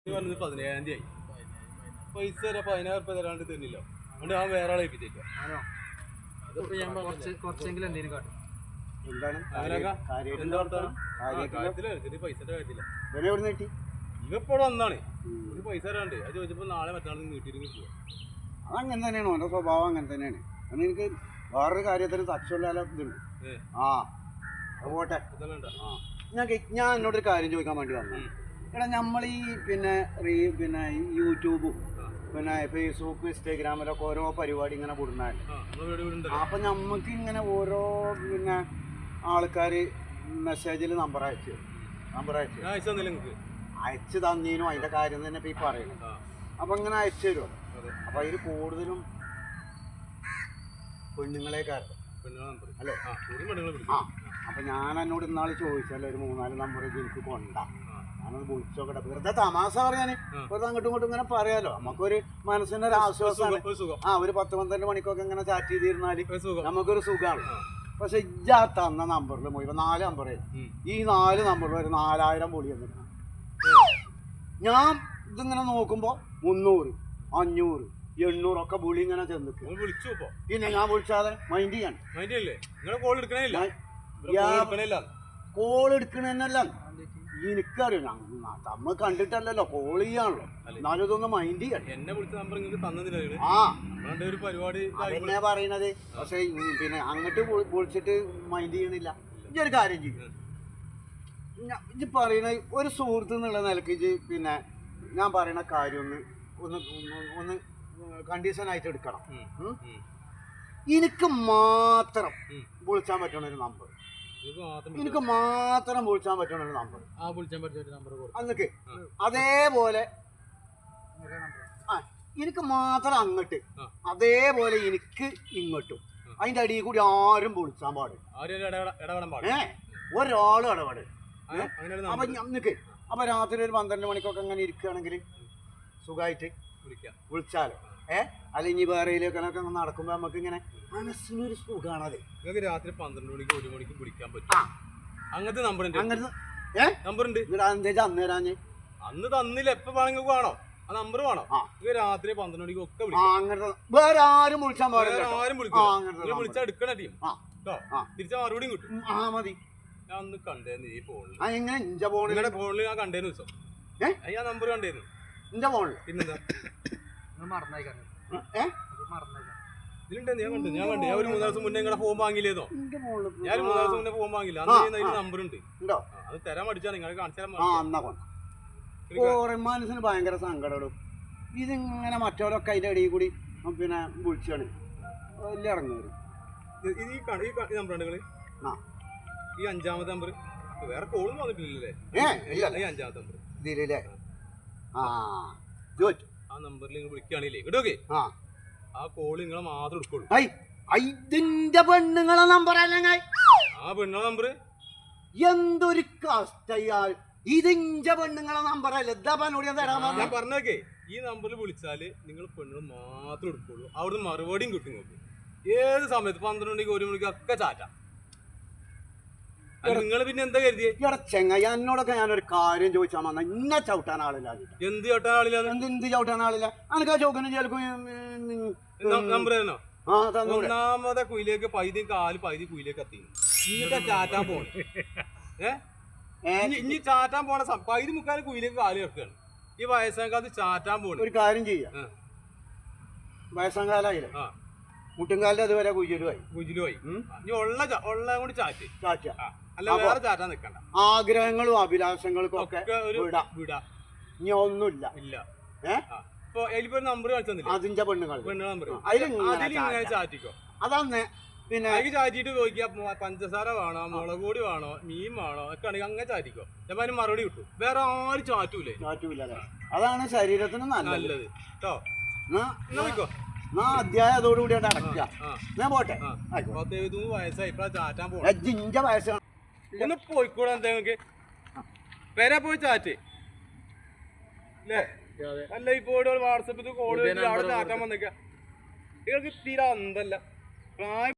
പറഞ്ഞത് 17-ാം തീയതി ആയി. പൈസ 10,000 ഉറുപ്പിക തരാണ്ട് തരുന്നില്ല. അതുകൊണ്ട് ഞാൻ വേറെ ആളെ ഏൽപ്പിച്ചേക്കാം. കുറച്ചെങ്കിലും എന്തെങ്കിലും കാട്ടും. ഇവപ്പോഴും ഒന്നാണ് ഒരു പൈസ തരാണ്ട്. അത് ചോദിച്ചപ്പോ നാളെ മറ്റന്നാൾ നീട്ടിയിട്ട് പോവാ. അതങ്ങനെ തന്നെയാണ്, ഓരോ സ്വഭാവം അങ്ങനെ തന്നെയാണ്. കാരണം എനിക്ക് വേറൊരു കാര്യത്തിന് തച്ചുള്ള ഇതുണ്ട്. പോട്ടെ. ഞാൻ എന്നോടൊരു കാര്യം ചോദിക്കാൻ വേണ്ടി വന്നു. എടാ, നമ്മൾ ഈ പിന്നെ യൂട്യൂബും പിന്നെ ഫേസ്ബുക്ക് ഇൻസ്റ്റാഗ്രാമിലൊക്കെ ഓരോ പരിപാടി ഇങ്ങനെ വിടുന്നതല്ലേ. അപ്പം നമുക്ക് ഇങ്ങനെ ഓരോ പിന്നെ ആൾക്കാർ മെസ്സേജിൽ നമ്പർ അയച്ചു തന്നീനും അതിൻ്റെ കാര്യം തന്നെ ഇപ്പം ഈ പറയുന്നത്. അപ്പം ഇങ്ങനെ അയച്ചു തരുമോ? അപ്പം അതിൽ കൂടുതലും പെണ്ണുങ്ങളെക്കാരുടെ അല്ലേ? അപ്പം ഞാൻ എന്നോട് ഇന്നാൾ ചോദിച്ചല്ലോ, ഒരു 3-4 നമ്പർ എനിക്ക് കൊണ്ടാ, ഞാനൊന്ന് വിളിച്ചോക്കട്ടെ. വെറുതെ തമാശ പറയാന് വെറുതെ അങ്ങോട്ടും ഇങ്ങോട്ടും ഇങ്ങനെ പറയാലോ, നമുക്കൊരു മനസ്സിന് ഒരു ആശ്വാസമാണ്. ഒരു 10-12 മണിക്കൊക്കെ ഇങ്ങനെ ചാറ്റ് ചെയ്തിരുന്നാല് നമുക്കൊരു സുഖമാണ്. പക്ഷെ ഇജ്ജാ തന്ന നമ്പറിൽ മുഴുവൻ 4 നമ്പർ, ഈ 4 നമ്പറിൽ ഒരു 4000 പൊളി വന്നിരുന്നു. ഞാൻ ഇതിങ്ങനെ നോക്കുമ്പോ 300, 500, 800 ഒക്കെ വിളി ഇങ്ങനെ ചെന്നിട്ട് വിളിച്ചു. പിന്നെ ഞാൻ വിളിച്ചാതെ മൈൻഡ് ചെയ്യാണ്. കോൾ എടുക്കണല്ല, എനിക്കറിയാം, നമ്മ കണ്ടിട്ടല്ലല്ലോ, കോൾ ചെയ്യാണല്ലോ. എന്നാലും ഇതൊന്ന് മൈൻഡ് ചെയ്യണം. എന്നെ വിളിച്ച നമ്പർ അതെന്നെ പറയണത്. പക്ഷെ പിന്നെ അങ്ങോട്ട് വിളിച്ചിട്ട് മൈൻഡ് ചെയ്യണില്ല. ഇജ്ജ് ഒരു കാര്യം ചെയ്യും, ഇജ്ജ് പറയണ ഒരു സുഹൃത്ത് എന്നുള്ള നിലക്ക് പിന്നെ ഞാൻ പറയണ കാര്യം ഒന്ന് കണ്ടീഷൻ ആയിട്ട് എടുക്കണം. എനിക്ക് മാത്രം വിളിച്ചാൻ പറ്റണ ഒരു നമ്പർ, എനിക്ക് മാത്രം വിളിച്ചാൻ പറ്റണ ഒരു നമ്പർ അന്നൊക്കെ അതേപോലെ എനിക്ക് മാത്രം അങ്ങോട്ട്, അതേപോലെ എനിക്ക് ഇങ്ങോട്ടും. അതിന്റെ അടിയിൽ കൂടി ആരും വിളിച്ചാൻ പാടില്ല, ഒരാളും ഇടപെടും. അപ്പൊ ഞങ്ങൾക്ക് അപ്പൊ രാത്രി ഒരു 12 മണിക്കൊക്കെ അങ്ങനെ ഇരിക്കുകയാണെങ്കിൽ സുഖമായിട്ട് വിളിച്ചാലോ. അല്ലെങ്കിൽ വേറെയിലൊക്കെ നടക്കുമ്പോ നമുക്ക് ഇങ്ങനെ മനസ്സിനൊരു സുഖമാണത്. രാത്രി 12 മണിക്ക് 1 മണിക്ക് വിളിക്കാൻ പറ്റും. അങ്ങനത്തെ നമ്പർ ഉണ്ട്. അന്നേരാഞ്ഞ് അന്ന് തന്നില്ല, എപ്പോ വേണമെങ്കിൽ വേണോ ആ നമ്പർ വേണോ? രാത്രി 12 മണിക്ക് ഒക്കെ അങ്ങനത്തെ വേറെ ആരും വിളിച്ചാൻ പാടില്ല. ആരും വിളിച്ചാൽ എടുക്കണ ടീം തിരിച്ചാൽ മറുപടിയും കിട്ടും. മതി. ഞാൻ ഒന്ന് കണ്ടേന്ന് ഈ ഫോണിൽ, ഫോണിൽ ഞാൻ കണ്ടേന്ന് വെച്ചോ. ആ നമ്പർ കണ്ടേന്ന് എന്റെ ഫോണിൽ. പിന്നെന്താ ഇതിലുണ്ട്. ഞാൻ കണ്ടു. ഞാൻ ഒരു 3 ദിവസം മുന്നേ നിങ്ങളുടെ ഫോൺ വാങ്ങില്ലേന്നോ? ഞാൻ 3 ദിവസം മുന്നേ ഫോൺ വാങ്ങില്ല. അന്ന് നമ്പർ ഉണ്ട്, അത് തരാൻ പഠിച്ചാ നിങ്ങൾ കാണിച്ചു തരാൻ. മനസ്സിന് ഭയങ്കര സങ്കടം. ഇതിങ്ങനെ മറ്റവരൊക്കെ അതിന്റെ ഇടയിൽ കൂടി പിന്നെ വിളിച്ചാണ് വലിയ ഇറങ്ങുന്നത്. ഈ നമ്പർ ഉണ്ട് ഈ 5ാമത്തെ നമ്പർ. വേറെ കോളൊന്നും വന്നിട്ടില്ലല്ലേ? ഈ 5ാമത്തെ നമ്പർ ഇതിലേ ആ നമ്പറിൽ നിങ്ങൾ വിളിക്കുകയാണെങ്കിലേ കേട്ടോക്കെ ആ കോള് നിങ്ങളെ മാത്രം എടുക്കുള്ളൂ. ഇതിന്റെ പെണ്ണുങ്ങളെ നമ്പർ അല്ലെങ്കിൽ ആ പെണ്ണുങ്ങളെ നമ്പർ എന്തൊരു കഷ്ടയാൾ. ഇതിന്റെ പെണ്ണുങ്ങളെ നമ്പർ അല്ലേ ഞാൻ പറഞ്ഞേക്കെ. ഈ നമ്പറിൽ വിളിച്ചാല് നിങ്ങൾ പെണ്ണുങ്ങൾ മാത്രം എടുക്കുള്ളൂ. അവിടുന്ന് മറുപടിയും കിട്ടും നിങ്ങൾക്ക് ഏത് സമയത്ത്. 12 മണിക്ക് 1 മണിക്ക് ഒക്കെ ചാറ്റാം. നിങ്ങൾ പിന്നെ എന്താ കരുതിയേ? ചെങ്ങയ്യ, എന്നോടൊക്കെ ഞാനൊരു കാര്യം ചോദിച്ചാൽ വന്ന ഇന്നെ ചവിട്ടാൻ ആളില്ല. എന്ത് ചവിട്ടാൻ ആളില്ല? എന്ത് ചവിട്ടാൻ ആളില്ല? എനിക്ക് ആ ചോക്കിന് നമ്പർ തരണോ? ഒന്നാമത്തെ കുയിലേക്ക് പകുതി കുയിലേക്ക് എത്തി. ഇന്നിട്ട് ചാറ്റാൻ പോണേ. ഇനി ചാറ്റാൻ പോണ 1/2 കുയിലേക്ക് കാല് കിടക്കുകയാണ്. ഈ വയസ്സാകാലത്ത് ചാറ്റാൻ പോണേ. ഒരു കാര്യം ചെയ്യാം, വയസ്സാകാലായില്ലേ, മുട്ടുംകാലിന്റെ അതുവരെ കുജിലുമായി. ഇനി ഉള്ള കൂടി ചാറ്റ അല്ല, വേറെ ചാറ്റാൻ നിൽക്കണ്ട. ആഗ്രഹങ്ങളും അഭിലാഷങ്ങൾക്കും ഒക്കെ വിടാ. ഇനി ഒന്നുമില്ല. ഇപ്പൊ എനിക്കൊരു നമ്പർ കാണിച്ചില്ല, അതിന്റെ പെണ്ണുങ്ങൾ നമ്പർ. അതിലിങ്ങനെ ചാറ്റിക്കോ. അതന്നെ. പിന്നെ അതിന് ചാറ്റിട്ട് ചോദിക്കുക പഞ്ചസാര വേണോ, മുളക് പൊടി വേണോ, മീൻ വേണോ ഒക്കെ ആണെങ്കിൽ അങ്ങനെ ചാറ്റിക്കോ. ഞാൻ അതിന് മറുപടി കിട്ടും. വേറെ ആരും ചാറ്റൂലേ? അതാണ് ശരീരത്തിന് നല്ലത് കേട്ടോ. നോക്കോ, അധ്യായം അതോടുകൂടി അടയ്ക്കുക. ഞാൻ പോട്ടെ. 73 വയസ്സായി ഇപ്പൊ ചാറ്റാൻ പോകണം. ജിഞ്ച വയസ്സാണ്. ഒന്ന് പോയിക്കൂടെ? എന്താ നിങ്ങൾക്ക് വരെ പോയി ചാറ്റ് അല്ലേ? അല്ല, ഇപ്പോൾ വാട്സപ്പിൽ കോള് അവിടെ ചാറ്റാൻ വന്നേക്ക. നിങ്ങൾക്ക് തീരെ അന്തല്ല. പ്രായം